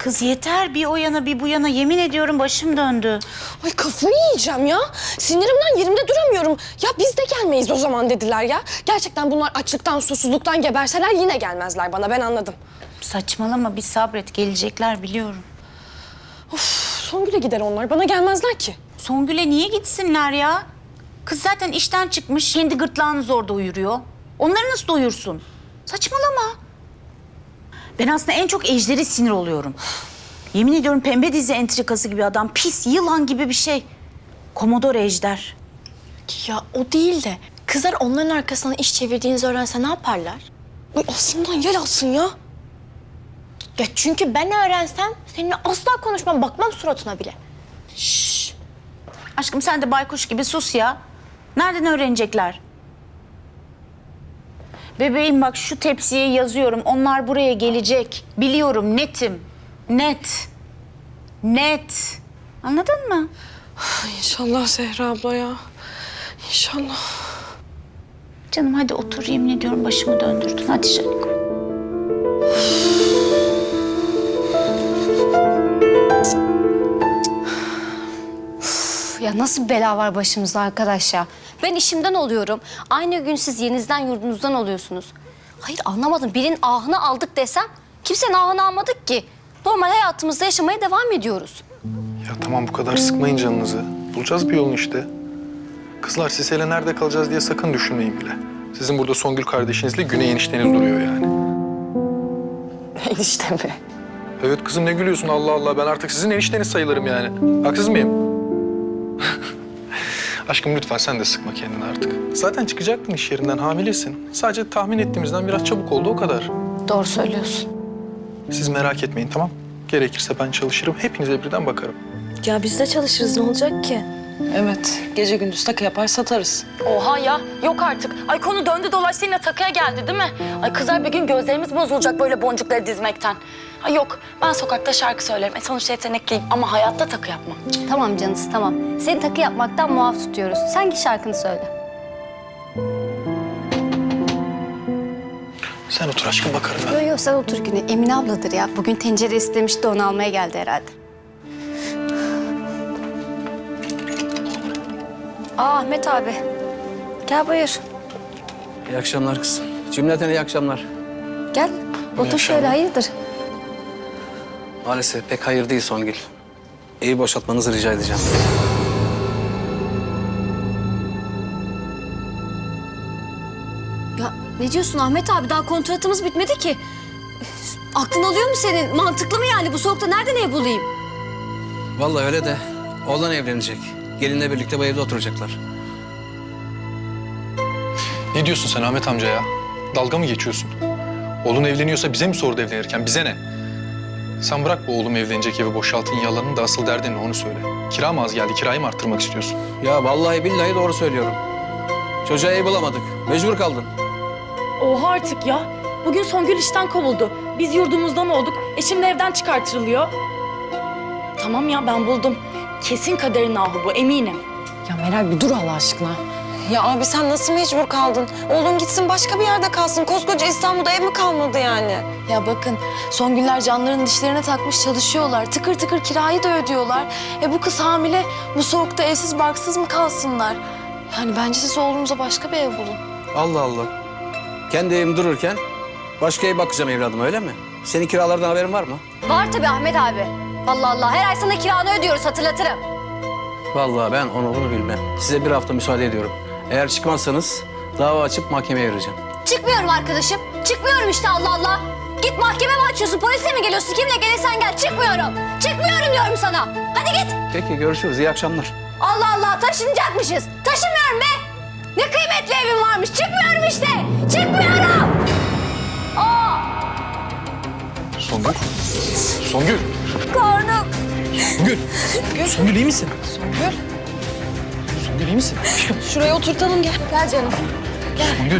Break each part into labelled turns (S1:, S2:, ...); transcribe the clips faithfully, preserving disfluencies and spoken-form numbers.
S1: Kız yeter, bir o yana bir bu yana, yemin ediyorum başım döndü.
S2: Ay kafayı yiyeceğim ya. Sinirimden yerimde duramıyorum. Ya biz de gelmeyiz o zaman dediler ya. Gerçekten bunlar açlıktan, susuzluktan geberseler yine gelmezler bana, ben anladım.
S1: Saçmalama, bir sabret, gelecekler biliyorum.
S2: Of, Songül'e gider onlar, bana gelmezler ki.
S1: Songül'e niye gitsinler ya? Kız zaten işten çıkmış, kendi gırtlağını zor doyuruyor. Onları nasıl doyursun? Saçmalama. Ben aslında en çok Ejder'e sinir oluyorum. Yemin ediyorum pembe dizi entrikası gibi adam, pis yılan gibi bir şey. Komodor Ejder.
S3: Ya o değil de kızlar onların arkasından iş çevirdiğinizi öğrense ne yaparlar?
S2: Ay aslından yel alsın ya.
S3: Ya çünkü ben öğrensem seninle asla konuşmam, bakmam suratına bile.
S1: Şşş. Aşkım sen de baykuş gibi sus ya. Nereden öğrenecekler? Bebeğim bak, şu tepsiye yazıyorum. Onlar buraya gelecek. Biliyorum, netim. Net. Net. Anladın mı?
S2: İnşallah Zehra abla ya. İnşallah.
S1: Canım hadi otur, yemin ediyorum başımı döndürdün. Hadi Şaniko.
S3: Ya nasıl bela var başımızda arkadaş ya? Ben işimden oluyorum. Aynı gün siz yerinizden yurdunuzdan oluyorsunuz. Hayır anlamadım. Birinin ahını aldık desem kimsenin ahını almadık ki. Normal hayatımızda yaşamaya devam ediyoruz.
S4: Ya tamam, bu kadar sıkmayın canınızı. Bulacağız bir yolunu işte. Kızlar, siz hele nerede kalacağız diye sakın düşünmeyin bile. Sizin burada Songül kardeşinizle Güney enişteniz duruyor yani.
S2: Enişte mi?
S4: Evet kızım, ne gülüyorsun Allah Allah. Ben artık sizin enişteniz sayılırım yani. Haksız mıyım? Aşkım lütfen sen de sıkma kendini artık. Zaten çıkacaktın iş yerinden, hamilesin. Sadece tahmin ettiğimizden biraz çabuk oldu, o kadar.
S3: Doğru söylüyorsun.
S4: Siz merak etmeyin, tamam? Gerekirse ben çalışırım, hepinize birden bakarım.
S5: Ya biz de çalışırız, ne olacak ki?
S6: Evet, gece gündüz takı yapar satarız.
S7: Oha ya, yok artık. Ay konu döndü dolaştı yine takıya geldi değil mi? Ay kızlar bir gün gözlerimiz bozulacak böyle boncukları dizmekten. Ay yok, ben sokakta şarkı söylerim. E sonuçta yetenekliyim ama hayatta takı yapmam.
S3: Tamam canısı tamam. Seni takı yapmaktan muaf tutuyoruz. Sen git şarkını söyle.
S4: Sen otur aşkım, bakarım ben.
S3: Yok yok sen otur Güney. Emine abladır ya. Bugün tencere istemişti de onu almaya geldi herhalde. Aa Ahmet abi. Gel buyur.
S8: İyi akşamlar kızım. Cümleten iyi akşamlar.
S3: Gel. Otur şöyle, hayırdır?
S8: Maalesef pek hayır değil Songül. Evi boşaltmanızı rica edeceğim.
S3: Ya ne diyorsun Ahmet abi? Daha kontratımız bitmedi ki. Aklın alıyor mu senin? Mantıklı mı yani? Bu soğukta nereden ev bulayım?
S8: Vallahi öyle de oğlan evlenecek. Gelinle birlikte bu evde oturacaklar.
S4: Ne diyorsun sen Ahmet amca ya? Dalga mı geçiyorsun? Oğlun evleniyorsa bize mi sordu evlenirken? Bize ne? Sen bırak bu oğlum evlenecek evi boşaltın yalanını da asıl derdin ne onu söyle. Kira mı az geldi? Kirayı mı arttırmak istiyorsun?
S8: Ya vallahi billahi doğru söylüyorum. Çocuğa ev bulamadık. Mecbur kaldın.
S7: Oha artık ya. Bugün Songül işten kovuldu. Biz yurdumuzdan olduk. E şimdi evden çıkartılıyor. Tamam ya, ben buldum. Kesin kaderin ahı bu, eminim.
S2: Ya Meral bir dur Allah aşkına. Ya abi sen nasıl mecbur kaldın? Oğlun gitsin başka bir yerde kalsın. Koskoca İstanbul'da ev mi kalmadı yani?
S5: Ya bakın, Songüller canlarının dişlerine takmış çalışıyorlar. Tıkır tıkır kirayı da ödüyorlar. E bu kız hamile, bu soğukta evsiz barksız mı kalsınlar? Yani bence siz oğlunuza başka bir ev bulun.
S8: Allah Allah. Kendi evim dururken başka ev bakacağım evladım, öyle mi? Senin kiralardan haberin var mı?
S3: Var tabii Ahmet abi. Allah Allah. Her ay sana kiranı ödüyoruz, hatırlatırım.
S8: Vallahi ben onu bunu bilmem. Size bir hafta müsaade ediyorum. Eğer çıkmazsanız dava açıp mahkemeye vereceğim.
S3: Çıkmıyorum arkadaşım. Çıkmıyorum işte, Allah Allah. Git mahkeme mi açıyorsun, polise mi geliyorsun? Kimle gelirsen gel. Çıkmıyorum. Çıkmıyorum diyorum sana. Hadi git.
S8: Peki görüşürüz. İyi akşamlar.
S3: Allah Allah, taşınacakmışız. Taşınmıyorum be. Ne kıymetli evim varmış. Çıkmıyorum işte. Çıkmıyorum. Aa,
S4: Songül? Songül!
S3: karnım.
S4: Songül! Songül iyi misin? Songül? Songül iyi misin?
S2: Şuraya oturtalım gel.
S3: Gel canım.
S4: Songül!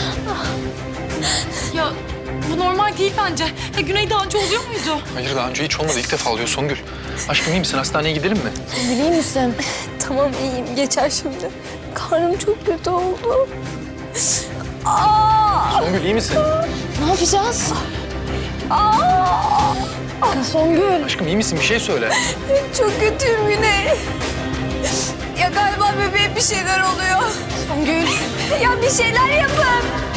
S7: Ya bu normal değil bence. Ya Güney daha önce oluyor muydu?
S4: Hayır daha önce hiç olmadı. İlk defa oluyor Songül. Aşkım iyi misin? Hastaneye gidelim mi?
S5: İyi misin?
S2: Tamam iyiyim geçer şimdi. Karnım çok kötü oldu.
S4: Songül iyi misin?
S5: Ne yapacağız?
S3: Aa!
S2: Songül.
S4: Aşkım iyi misin? Bir şey söyle.
S5: Çok kötüyüm Güney. Ya galiba bebeğe bir şeyler oluyor.
S2: Songül.
S5: Ya bir şeyler yapın.